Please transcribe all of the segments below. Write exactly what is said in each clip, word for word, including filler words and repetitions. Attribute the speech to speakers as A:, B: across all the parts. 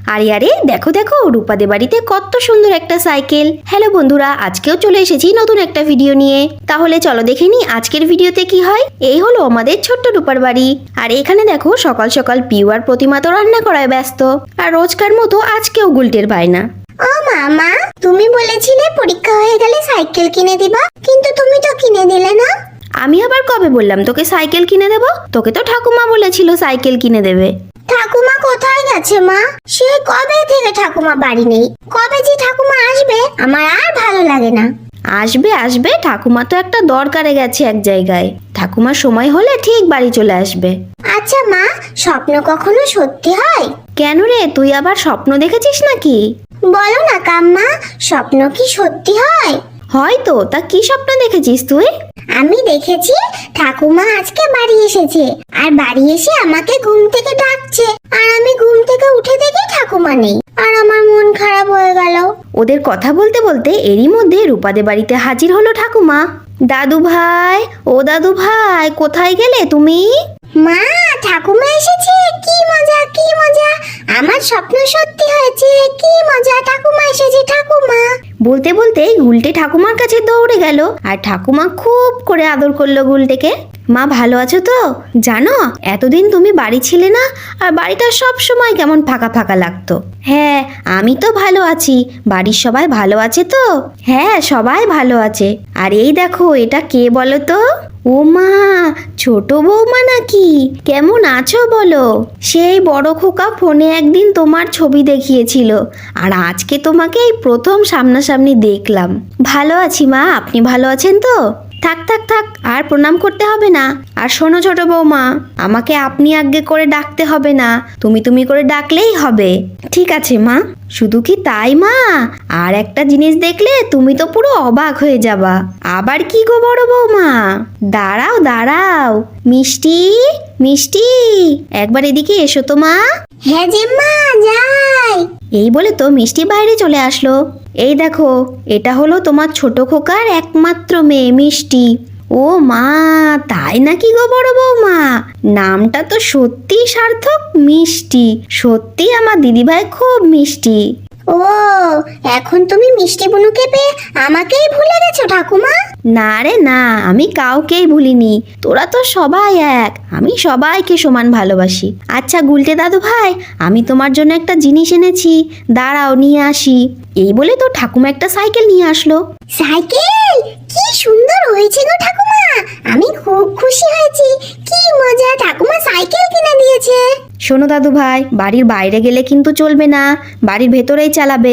A: আরে আরে দেখো দেখো রূপাদের বাড়িতে কত সুন্দর একটা সাইকেল। হ্যালো বন্ধুরা, আজকেও চলে এসেছি নতুন একটা ভিডিও নিয়ে। তাহলে চলো দেখে নি আজকের ভিডিওতে কি হয়। এই হলো আমাদের ছোট্ট রূপার বাড়ি। আর এখানে দেখো সকাল সকাল পিউ আর প্রতিমা তো রান্না করায় ব্যস্ত, আর রোজকার মতো আজকেও গুলটের বায়না।
B: ও মামা, তুমি বলেছিলে পরীক্ষা হয়ে গেলে সাইকেল কিনে দিবা, কিন্তু তুমি তো কিনে দিলে না।
A: আমি আবার কবে বললাম তোকে সাইকেল কিনে দেবো? তোকে তো ঠাকুমা বলেছিল সাইকেল কিনে দেবে।
B: ঠাকুমা কোথায় গেছে মা? সে কবে থেকে ঠাকুমা বাড়ি নেই। কবে যে ঠাকুমা আসবে আমার আর ভালো লাগে না।
A: আসবে আসবে, ঠাকুমা তো একটা দরকারে গেছে এক জায়গায়। ঠাকুমার সময় হলে ঠিক বাড়ি চলে আসবে।
B: আচ্ছা মা, স্বপ্ন কখনো সত্যি হয়?
A: কেন রে, তুই আবার স্বপ্ন দেখেছিস নাকি?
B: বলো না কাম্মা, স্বপ্ন কি সত্যি হয়?
A: হয়তো। তা কি স্বপ্ন দেখেছিস তুই?
B: আমি দেখেছি ঠাকুমা আজকে বাড়ি এসেছে, আর বাড়ি এসে আমাকে ঘুম থেকে ডাকছে, আর আমি ঘুম থেকে উঠে দেখি ঠাকুমা নেই, আর আমার মন খারাপ হয়ে গেল।
A: ওদের কথা বলতে বলতে এরই মধ্যে রূপাদের বাড়িতে হাজির হলো ঠাকুমা। দাদু ভাই, ও দাদু ভাই, কোথায় গেলে তুমি?
B: মা, ঠাকুমা এসেছে, কি মজা কি মজা, আমার স্বপ্ন সত্যি হয়েছে, কি মজা, ঠাকুমা এসেছে ঠাকুমা।
A: বলতে বলতে গুলটে ঠাকুমার কাছে দৌড়ে গেল, আর ঠাকুমা খুব করে আদর করলো গুলটেকে। মা ভালো আছো তো? জানো এতদিন তুমি বাড়ি ছিলে না, আর বাড়িটা সব সময় কেমন ফাঁকা ফাঁকা লাগতো। হ্যাঁ আমি তো ভালো আছি। বাড়ির সবাই ভালো আছে তো? হ্যাঁ সবাই ভালো আছে। আর এই দেখো এটা কে বলো তো? ও মা, ছোট বৌমা নাকি? কেমন আছো বলো? সেই বড় খোকা ফোনে একদিন তোমার ছবি দেখিয়েছিল, আর আজকে তোমাকে এই প্রথম সামনাসামনি দেখলাম। ভালো আছি মা, আপনি ভালো আছেন তো? থাক থাক থাক, আর প্রণাম করতে হবে না। আর শোনো ছোট বৌমা, আমাকে আপনি আজ্ঞে করে ডাকতে হবে না, তুমি তুমি করে ডাকলেই হবে। ঠিক আছে মা। শুধু কি তাই মা, আর একটা জিনিস দেখলে তুমি তো পুরো অবাক হয়ে যাবা। আবার কি গো বড় বৌমা? দাঁড়াও দাঁড়াও, মিষ্টি মিষ্টি, একবার এদিকে এসো তো মা।
B: হ্যাঁ যে মা, যাই।
A: এই বলে তো মিষ্টি বাইরে চলে আসলো। এই দেখো, এটা হলো তোমার ছোট খোকার একমাত্র মেয়ে মিষ্টি। ও মা, তাই নাকি গো বড় বৌমা? নামটা তো সত্যি সার্থক, মিষ্টি। সত্যি আমার দিদিভাই খুব মিষ্টি।
B: ও, এখন তুমি মিষ্টি বুনুকে পেয়ে আমাকেই ভুলে গেছো ঠাকুমা?
A: না রে না, আমি কাউকেই ভুলিনি। তোরা তো সবাই এক, আমি সবাইকে সমান ভালোবাসি। আচ্ছা গুলটে দাদু ভাই, আমি তোমার জন্য একটা জিনিস এনেছি, দাঁড়াও নিয়ে আসি। এই বলে তো ঠাকুমা একটা সাইকেল নিয়ে আসলো।
B: সাইকেল? কি সুন্দর হয়েছে গো ঠাকুমা, আমি খুব খুশি হয়েছি। কি মজা, ঠাকুমা সাইকেল কিনে দিয়েছে।
A: শোনো দাদু ভাই, বাড়ির বাইরে গেলে কিন্তু চলবে না, বাড়ির ভেতরেই চালাবে।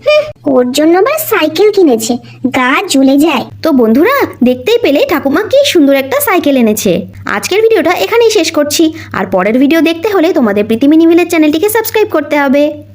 B: ওর জন্য আবার সাইকেল কিনেছে, গা জ্বলে যায়।
A: তো বন্ধুরা দেখতেই পেলে ঠাকুমা কি সুন্দর একটা সাইকেল এনেছে। আজকের ভিডিওটা এখানেই শেষ করছি, আর পরের ভিডিও দেখতে হলে তোমাদের প্রীতি মিনি ভিলেজ চ্যানেলটিকে সাবস্ক্রাইব করতে হবে।